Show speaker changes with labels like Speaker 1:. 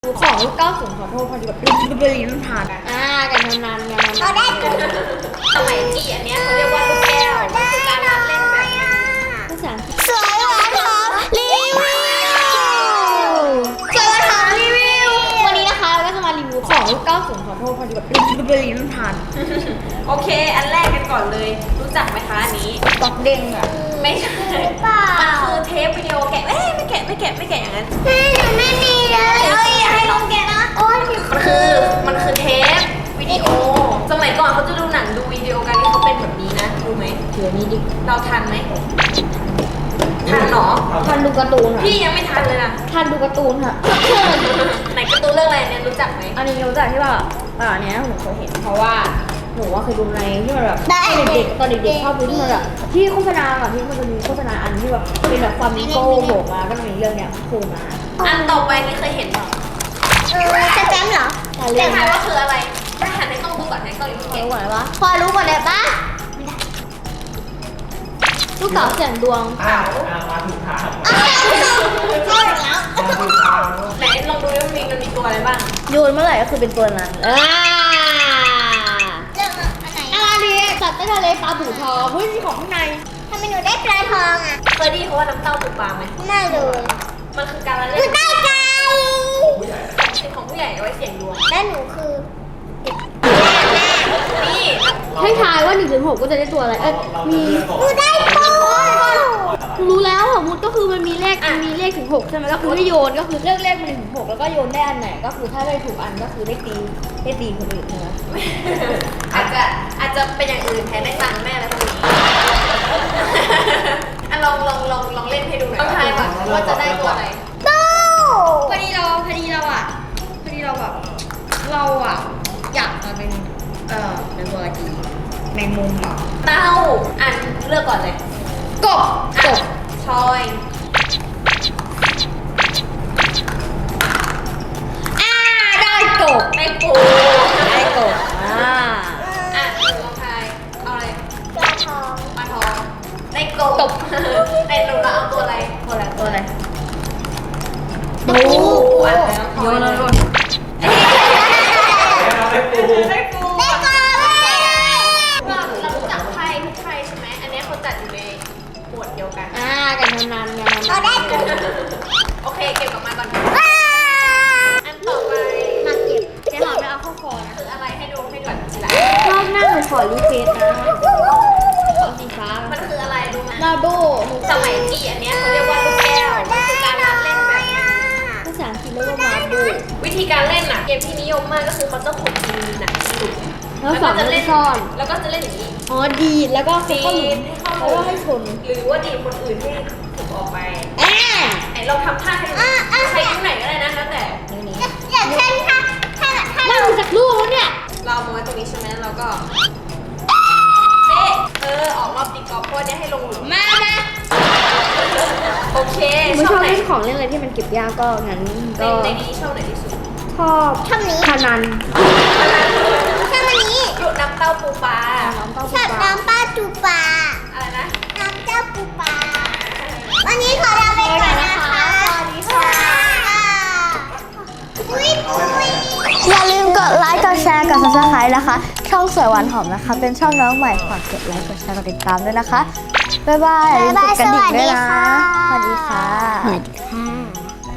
Speaker 1: ของยุค90ขอโทษพอดีแบบเป็นลิ้นทานกันนานๆกันนาน
Speaker 2: สมัยที่อันเนี้ยเขาเรียกว่าลูกแก้วมันคือการเล่นแบบ
Speaker 1: ภาษาอังกฤษ
Speaker 3: สวยหวานหอมรีวิว
Speaker 1: สวัสดีค่ะรีวิววันนี้นะคะเราก็จะมารีวิวของยุค90ขอโทษพอดีแบบเป็นลิ้นทาน
Speaker 2: โอเคอันแรกกันก่อนเลยรู้จักไหมคะอันนี้
Speaker 1: ตอกเด้งอ่ะ
Speaker 2: ไม่ใช่
Speaker 3: เปล่า
Speaker 2: มันคือเทปวิดีโอแกะไม่แกะอย่างนั้น
Speaker 3: แม่หนูไม่มีเลยอย่าให้ลงแกนะโอ๊ย
Speaker 2: มันคือเทปวิดีโอสมัยก่อนเขาจะดูหนังดูวิดีโอกันที่เขาเป็นแบบนี้นะรู้ไหม
Speaker 1: เดี๋ยวนี้ดิ
Speaker 2: เราทันไหมทันเหรอ
Speaker 1: ทันดูการ์ตูนค่ะ
Speaker 2: พี่ยังไม่ทันเลยนะ
Speaker 1: ทันดูการ์ตูนค่ะ
Speaker 2: ไหนการ์ตูนเรื่องอะไรเนี่ยรู้จักไหม
Speaker 1: อันนี้รู้จักที่ว่าอันนี้หนูเคยเห็นเพราะว่าหนูว่าเคยดูในที่มันแบบตอนเด็กๆชอบดูที่มันแบบที่โฆษณาอ่ะที่มันจะมีโฆษณาอันที่แบบเป็นแบบความมิโก้โผล่มาก็จะมีเรื่องเนี้ยโผล่มา
Speaker 2: อันต่อไปนี่เคยเห็นเปล่า
Speaker 3: สแตมป์เหรอ
Speaker 1: แต่
Speaker 2: แต่
Speaker 1: เรื่อง
Speaker 2: ทายว่าคืออะไรไม่หันในกล้องดูก่อนในกล้องอยู่
Speaker 1: รู้
Speaker 2: เก่ง
Speaker 1: ก่อนว่า
Speaker 3: พอรู้หมดเลยปะ
Speaker 1: ลูกเต๋าเสียงดวง
Speaker 4: มาถูกทาง
Speaker 3: ใช่แล้ว
Speaker 4: มาถูกทาง
Speaker 2: ไหนลองดูว่ามันมีตัวอะไรบ้าง
Speaker 1: โยนเมื่อไหร่ก็คือเป็นตัวนั้น
Speaker 3: เรื่องอันไหน
Speaker 1: อะไรดีสัตว์ใต้ทะเลปลาบู่ทองเฮ้ยมีของข้างใน
Speaker 3: ทำไมหนูได้ปลาทองอ่ะ
Speaker 2: เคยได้ยินเขาว่าน้ำเต้าปูปลาไหม
Speaker 3: ไม่เลย
Speaker 2: มันคือการละ
Speaker 3: ห
Speaker 2: เล่
Speaker 3: นู
Speaker 2: น
Speaker 3: ได้ไก่
Speaker 2: ของผู้ใหญ่เอาไว้เสี่ยงดวง
Speaker 3: และหนูคือ
Speaker 2: นี่
Speaker 1: ให้ทายว่า1 ถึง 6ก็จะได้ตัวอะไรมี
Speaker 3: หนูได้ปู
Speaker 1: รู้แล้วสมมติก็คือมันมีเลขถึง 6ใช่ไหมก็คือให้โยนก็คือเลือกเลขมาถึง 6แล้วก็โยนได้อันไหนก็คือถ้าได้ถูกอันก็คือได้ตีคนอื่นใช่ไหม
Speaker 2: อาจจะเป็นอย่างอื่นแทนได้ตังค์แม่แล้วตรงนี้อ่ะลองเล่นให้ดูหน่อยต้องทายก่อนว่าจะได้ตัวอะไร
Speaker 3: ตู้
Speaker 1: พอดีเราแบบเราอ่ะอยากมาเป็นตัวอะไรดีในมุมอ่ะ
Speaker 2: เต้าอันเลือกก่อนเลย
Speaker 1: กบ
Speaker 2: ชอย
Speaker 1: ได้กบ
Speaker 2: ได้ปู
Speaker 1: ได้กบ
Speaker 2: อ่ะลองทายเอาอะไร
Speaker 3: ปลาทอง
Speaker 2: ปลาทองได้กบในหนูเราเอาตัวอะไร
Speaker 1: ตัวอะไร
Speaker 2: ปูอันแล้ว
Speaker 1: โยน
Speaker 4: ได้ปู
Speaker 2: ได้ปู
Speaker 3: ได้กบ
Speaker 2: เรารู้จักไพ่ทุกไพ่ใช่ไหมอันนี้เขาจัดอยู่ในหมวดเดียวกัน
Speaker 1: กันนาน
Speaker 3: เราได้กบ
Speaker 2: โอเคเก็บกลับมาก่อน
Speaker 3: ว้า
Speaker 2: อันต่อไป
Speaker 1: มาเก็บแกหอมไม่เอาเข้าคอนะ
Speaker 2: คืออะไรให้ดูให้ก่อนทีละ
Speaker 1: รอบหน้าหนูขอรีเควสนะขอสีฟ้า
Speaker 2: มันคืออะไรรู้ไหม
Speaker 1: นาโด
Speaker 2: สมัยที่อันเนี้ยเขาเรียกว่าลูกแก้วมันคือการเล่นแบบนี้
Speaker 1: ภาษาอังกฤษเรียกว่ามาโด
Speaker 2: วิธีการเล่นน่ะเกมที่นิยมมากก็คือเขาจะขุดดินน่ะขุด
Speaker 1: แล้วสอน
Speaker 2: จะ
Speaker 1: เล่
Speaker 2: เล่
Speaker 1: น
Speaker 2: น
Speaker 1: ซ่อน
Speaker 2: แล้วก็จะเล่นอย่างนี้
Speaker 1: อ๋อดีดแล้วก็
Speaker 2: ดี
Speaker 1: เข้าหลุ
Speaker 2: ด
Speaker 1: ม
Speaker 2: ให้เข้า
Speaker 1: แล้วก็ให้ชน
Speaker 2: หรือว่าดีดคนอื่นให้ถูกออกไป
Speaker 1: แอะ
Speaker 2: ไหนลองทำท่าให้ดูใช้นิ้วไหนก็ได้นะแล้วแต่
Speaker 3: อย่างเช่นถ้า
Speaker 1: นั่งจากลูกแล้วเนี่ย
Speaker 2: เราเอามาไว้ตรงนี้ใช่ไหมแล้วเราก็เป๊ะออกรอบตีกอล์ฟเพราะว่าเนี่ยให้ลงหลุม
Speaker 1: มา
Speaker 2: โอเค
Speaker 1: ไม่
Speaker 2: ช
Speaker 1: ช
Speaker 2: อ
Speaker 1: อ
Speaker 2: บบ ไหน
Speaker 1: เล่นของเล่นอะไรที่มันเก็บยากก็งั้นก็
Speaker 2: ในนี้ชอบไหนที่สุด
Speaker 1: ชอบ
Speaker 3: ทำนี้
Speaker 1: พนัน
Speaker 3: ทำอันนี้
Speaker 2: หยุดน้ำเต้าปูปลา
Speaker 1: น้องเต้า
Speaker 3: ชอบน้ำปลาจูปลา
Speaker 2: อะไรนะ
Speaker 3: น้ำเจ้าปูปลาวันนี้ขอลาไปก่อนนะคะสวัสดีค่ะปุ้ยอย่าลืมกดไลค์ กดแชร์ กด subscribe นะคะ ช่องสวยหวานหอมนะคะ เป็นช่องน้องใหม่ฝากกดไลค์ กดแชร์ กดติดตามด้วยนะคะ บ๊ายบายอย่าลืมกดกระดิ่งด้วยนะ สวัสดีค่ะ